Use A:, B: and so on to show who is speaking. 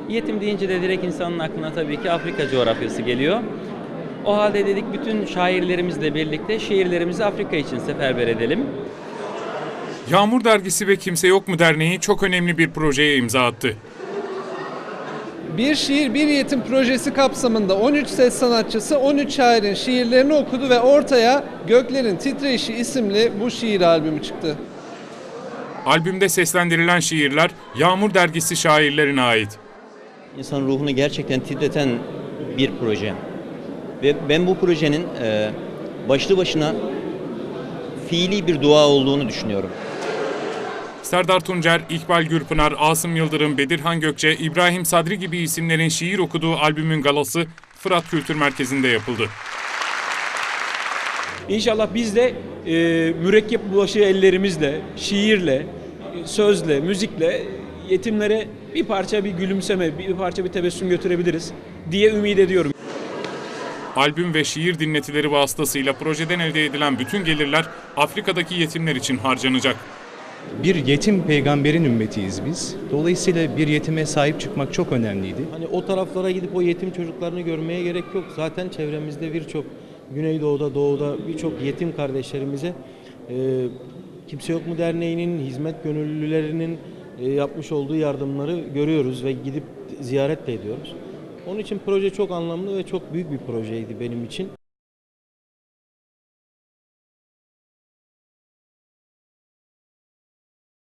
A: Yetim deyince de direkt insanın aklına tabii ki Afrika coğrafyası geliyor. O halde dedik bütün şairlerimizle birlikte şiirlerimizi Afrika için seferber edelim.
B: Yağmur Dergisi ve Kimse Yok Mu Derneği çok önemli bir projeye imza attı.
C: Bir Şiir Bir Yetim projesi kapsamında 13 ses sanatçısı 13 şairin şiirlerini okudu ve ortaya Göklerin Titreşi isimli bu şiir albümü çıktı.
B: Albümde seslendirilen şiirler Yağmur Dergisi şairlerine ait.
A: İnsanın ruhunu gerçekten titreten bir proje. Ve ben bu projenin başlı başına fiili bir dua olduğunu düşünüyorum.
B: Serdar Tuncer, İkbal Gürpınar, Asım Yıldırım, Bedirhan Gökçe, İbrahim Sadri gibi isimlerin şiir okuduğu albümün galası Fırat Kültür Merkezi'nde yapıldı.
D: İnşallah biz de mürekkep bulaşığı ellerimizle, şiirle, sözle, müzikle yetimlere bir parça bir gülümseme, bir parça bir tebessüm götürebiliriz diye ümit ediyorum.
B: Albüm ve şiir dinletileri vasıtasıyla projeden elde edilen bütün gelirler Afrika'daki yetimler için harcanacak.
E: Bir yetim peygamberin ümmetiyiz biz. Dolayısıyla bir yetime sahip çıkmak çok önemliydi.
F: Hani o taraflara gidip o yetim çocuklarını görmeye gerek yok. Zaten çevremizde birçok Güneydoğu'da, Doğu'da birçok yetim kardeşlerimize Kimse Yok Mu Derneği'nin, hizmet gönüllülerinin yapmış olduğu yardımları görüyoruz ve gidip ziyaret de ediyoruz. Onun için proje çok anlamlı ve çok büyük bir projeydi benim için.